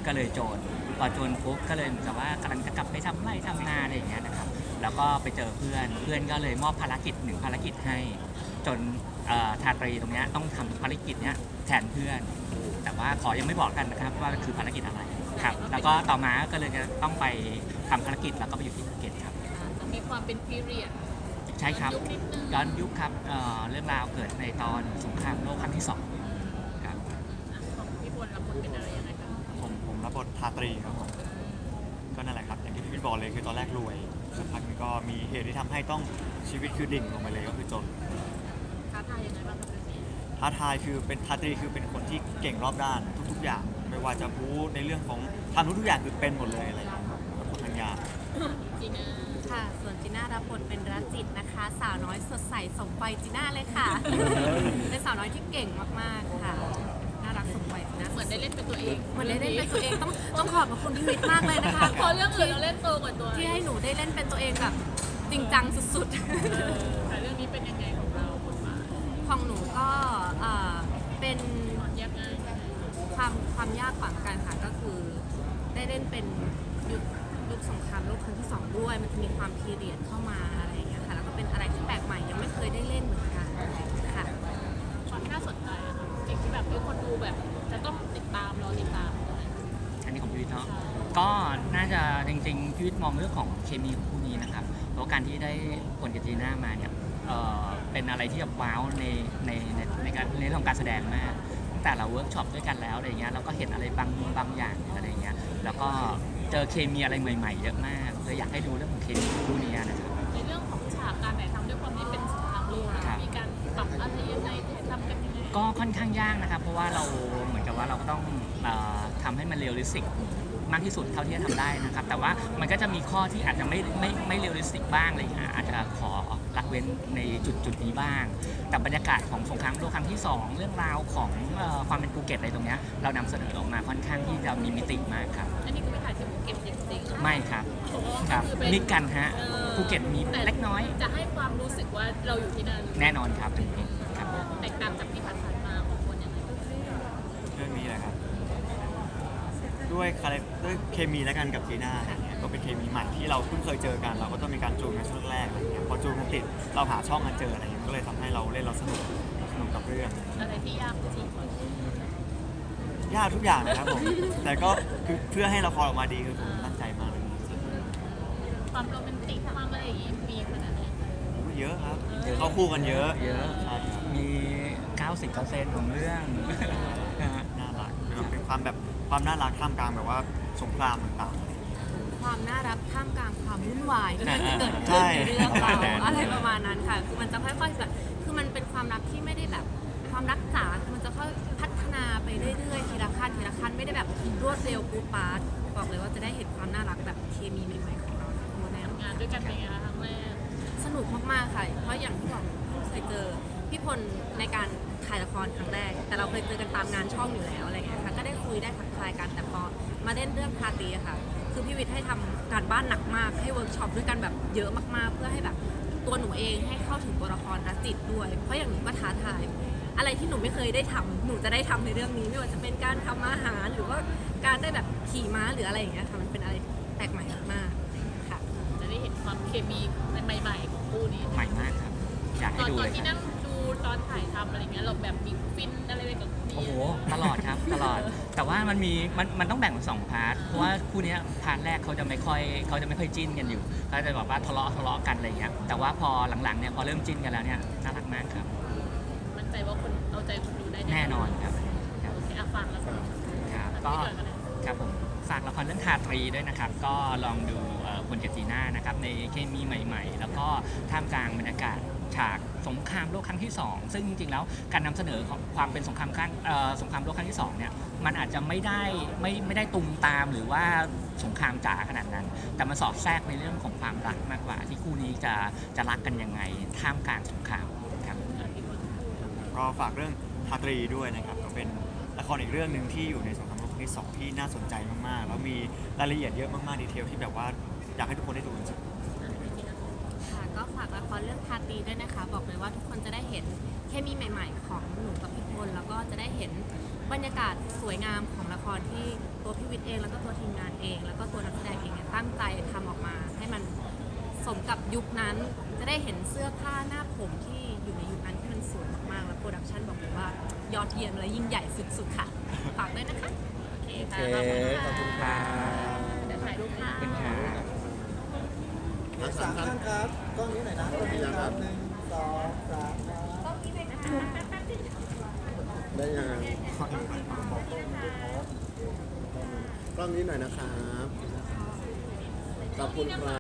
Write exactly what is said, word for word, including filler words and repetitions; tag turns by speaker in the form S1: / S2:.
S1: ก็เลยโจรพอโจรปุ๊บก็เลยเหมือนกับว่ากำลังจะกลับไปทำไร่ทำนาอะไรอย่างเงี้ยนะครับแล้วก็ไปเจอเพื่อนเพื่อนก็เลยมอบภารกิจหนึ่งภารกิจให้จนทาตรีตรงนี้ต้องทำภารกิจเนี้ยแทนเพื่อนแต่ว่าขอยังไม่บอกกันนะครับว่าคือภารกิจอะไรครับแล้วก็ต่อมาก็เลยจะต้องไปทำภารกิจแล้วก็ไปอยู่ที่ภูเก็ตครับ
S2: มีความเป็นพีเรียด
S1: ใช่ครับย้อนยุคครับ เ, เรื่องราวเกิดในตอนสงครามโลกครั้งที่สองครับ
S2: ของพี่พลรับบทเป็นอะไรยังไงครับ
S3: ผมผมรับบททาตรีครับผมก็นั่นแหละครับอย่างที่พี่บอกเลยคือตอนแรกรวยสักพักนึงก็มีเหตุที่ทำให้ต้องชีวิตคือดิ่งลงไปเลยก็คือจน
S2: ท้าทายยังไงบ้างครับเรื่องนี้
S3: ท้าทายคือเป็นทาตรีคือเป็นคนที่เก่งรอบด้านทุกๆอย่างไม่ว่าจะรู้ในเรื่องของทำทุกๆอย่างคือเป็นหมดเลยอะไรอย่างเงี้ยแล้วคนทางยาก
S2: จีน่า
S4: ค่ะส่วนจีน่ารับบทเป็นรัจิตนะคะสาวน้อยสดใสสมวัยจีน่าเลยค่ะ เป็นสาวน้อยที่เก่งมากๆค่ะน่ารักสมวัยนะ
S2: เหมือนได้เล่นเป็นตัวเอง
S4: เหมือนได้เล่นเป็นตัวเองต้องต้องขอบคุณพี่วิทย์มากเลยนะคะ
S2: พอเรื่องอื่นเราเล่นโตกว่าตัว
S4: ที่ให้หนูได้เล่นเป็นตัวเองแบบจริงจังสุด
S2: ๆแต่เรื่องนี้เป็นยังไงของเราบทบาท
S4: ของหนูก็เป็น
S2: ยากง่าย
S4: ความความยากกว่ากันค่ะก็คือได้เล่นเป็นยุคยุคสงครามโลกครั้งที่สองด้วยมันจะมีความพีเรียดเข้ามาอะไรอย่างเงี้ยค่ะแล้วก็เป็นอะไรที่แปลกใหม่ยังไม่เคยได้เล่นเหมือนกันค่ะ
S2: ความน่าสนใจอะค่ะสิ่งที่แบบทุกคนดูแบบจะต้องติดตามรอติดตาม
S1: อันนี้ของพี่วิทย์เนาะก็น่าจะจริงๆพี่วิทย์มองเรื่องของเคมีของคู่นี้นะครับเพราะการที่ได้คนกับจีน่ามาเนี่ยเอ่อเป็นอะไรที่แบบว้าวในในในในการในเรื่องของการแสดงมากแต่เราเวิร์กช็อปด้วยกันแล้วอะไรเงี้ยเราก็เห็นอะไรบางบางอย่างอะไรเงี้ยแล้วก็เจอเคมีอะไรใหม่ๆเยอะมากเลยอยากให้ดูเรื่องของเคมีคู่นี้นะครับ
S2: ในเรื่องของฉากการถ่ายทำด้วยความที่เป็นสงครามโลกมีการปรับอะไรยังไงถ่ายทำกันยังไง
S1: ก็ค่อนข้างยากนะครับเพราะว่าเราเหมือนกับว่าเราก็ต้องทำให้มันเรียลลิสติกมากที่สุดเท่าที่จะทำได้นะครับแต่ว่ามันก็จะมีข้อที่อาจจะไม่ไม่ไม่เรียลลิสติกบ้างอะไรอย่างเงี้ยอาจจะขอละเว้นในจุดจุดนี้บ้างแต่บรรยากาศของสงครามโลกครั้งที่สองเรื่องราวของความเป็นภูเก็ตอะไรตรงเนี้ยเรานำเสนอออกมาค่อนข้างที่จะมีมิติมากครับ
S2: อันนี้ก็ไม่ถ่ายที่ภูเก็ตจริงๆ
S1: ไม่ครับครับมิกกันฮะภูเก็ตมีเล็กน้อย
S2: จะให้ความรู้สึกว่าเราอยู่ที่นั่น
S1: แน่นอนครับตรงนี้ครับ
S2: แตกต่างจากที่ผ่านๆมาของคนยังไง
S3: เรื่องนี้แหละครับด้วยคาแรคด้วยเคมีและกันกับจีน่าอะไรเงี้ยก็เป็นเคมีใหม่ที่เราเพิ่งเคยเจอกันเราก็ต้องมีการจูนกันช่วงแรกอะไรเงี้ยพอจูนกันติดเราหาช่องกันเจออะไรเงี้ยก็เลยทำให้เราเล่นเราสนุกสนุกกับเรื่อง
S2: อะไรที่ยากจริง
S3: ยากทุกอย่างนะครับผมแต่ก็คือเพื่อให้ละครออกมาดีคือผมตั้งใจมากเลย
S2: ความโรแมนติกความอะไรอย่างงี้มีขนาดไหน
S3: เยอะครับเขาคู่กันเยอะ
S1: เยอะมี เก้าสิบเปอร์เซ็นต์ ของเรื่อง
S3: น่ารักเป็นความแบบความน่ารักท่ามกลางแบบว่าสงครามต่าง
S4: ๆความน่ารักท่ามกลางความวุ่นวายที่มันจะเกิดขึ้นในเรื่องเราอะไรประมาณนั้นค่ะคือมันจะค่อยๆแบบคือมันเป็นความรักที่ไม่ได้แบบความรักจ๋าคือมันจะค่อยพัฒนาไปเรื่อยๆทีละขั้นทีละขั้นไม่ได้แบบรวดเร็วปูปาร์ตบอกเลยว่าจะได้เห็นความน่ารักแบบเคมีใหม่ๆของเราทั้งหมด
S2: งานด้วยกันเป็นไงคะครั้งแรก
S4: สนุกมากๆค่ะเพราะอย่างที่บอกเพิ่งเคยเจอพี่พลในการถ่ายละครครั้งแรกแต่เราเคยเจอกันตามงานช่องอยู่แล้วอะไรเงี้ยค่ะก็ได้คุยได้ทักทายกันแต่พอมาเล่นเรื่องทาตีค่ะคือพี่วิทย์ให้ทำการบ้านหนักมากให้เวิร์กช็อปด้วยกันแบบเยอะมากๆเพื่อให้แบบตัวหนูเองให้เข้าถึงตัวละครรัจิตด้วยเพราะอย่างหนูก็ท้าทายอะไรที่หนูไม่เคยได้ทำหนูจะได้ทำในเรื่องนี้ไม่ว่าจะเป็นการทำอาหารหรือว่าการได้แบบขี่ม้าหรืออะไรอย่างเงี้ยค่ะมันเป็นอะไรแปลกใหม่มากๆค่ะ
S2: จะได้เห็นความเคมีใหม่ๆของคู่นี้
S1: ใหม่มากครับอยากให้ดูเลย
S2: ตอนที่นั่งดูตอนถ่ายทำอะไรเงี้ยเราแบบมีฟินอะไรไปกับ
S1: โอ้โหตลอดครับตลอดแต่ว่ามันมีมันมันต้องแบ่งเป็นสองพาร์ทเพราะว่าคู่นี้พาร์ทแรกเขาจะไม่ค่อยเขาจะไม่ค่อยจิ้นกันอยู่เขาจะบอกว่าทะเลาะทะเลาะกันอะไรเงี้ยแต่ว่าพอหลังๆเนี่ยพอเริ่มจิ้นกันแล้วเนี่ยน่ารักมากครับ
S2: มั่นใจว่าคนเอาใจคนดูได้
S1: แน่นอนครับ
S2: โอเคอ่ะฟังแล้ว
S1: ครับก็ครับผมฝากละครเรื่องทาตรีด้วยนะครับก็ลองดูคนกับจีน่านะครับในเคมีใหม่ๆแล้วก็ท่ามกลางบรรยากาศฉากสงครามโลกครั้งที่สองซึ่งจริงๆแล้วการนำเสนอของความเป็นสงครามครั้งสงครามโลกครั้งที่สองเนี่ยมันอาจจะไม่ได้ไม่ไม่ได้ตุมตามหรือว่าสงครามจ๋าขนาดนั้นแต่มันสอดแทรกในเรื่องของความรักมากกว่าที่คู่นี้จะจะรักกันยังไงท่ามกลางสงครามครับ
S3: ก็ฝากเรื่องทาตรีด้วยนะครับก็เป็นละครอีกเรื่องหนึ่งที่อยู่ในสงครามโลกครั้งที่สองที่น่าสนใจมากๆแล้วมีรายละเอียดเยอะมากๆดีเทลที่แบบว่าอยากให้ทุกคนได้ดูจริง
S4: ก็ฝากละครเรื่องทาตีด้วยนะคะบอกเลยว่าทุกคนจะได้เห็นเคมีใหม่ๆของหนูกับพี่พลแล้วก็จะได้เห็นบรรยากาศสวยงามของละครที่ตัวพี่วิทย์เองแล้วก็ตัวทีมงานเอง แล้วก็ตัวนักแสดงเองเนี่ยตั้งใจทำออกมา ให้มันสมกับยุคนั้นจะได้เห็นเสื้อผ้าหน้าผมที่อยู่ในยุคนั้นที่มันสวยมากๆ แล้วโปรดักชั่นบอกเลยว่ายอดเยี่ยมและยิ่งใหญ่สุดๆค่ะฝากด้วยนะคะ
S2: โอเค
S5: โอ
S2: ค่ะ
S5: เค
S2: ขอบคุณ
S5: ขอบ
S2: ค่ะ
S5: คุณครับ
S2: เดี๋ยวถ่ายรูปค่ะ
S1: เป็นค่ะ
S5: ทั้งสามท่านครับกล้องนี้หน่อยนะกล้องนี้นะครับหนึ่งสองสามครับได้ยังไงกล้องนี้หน่อยนะครับขอบคุณครับ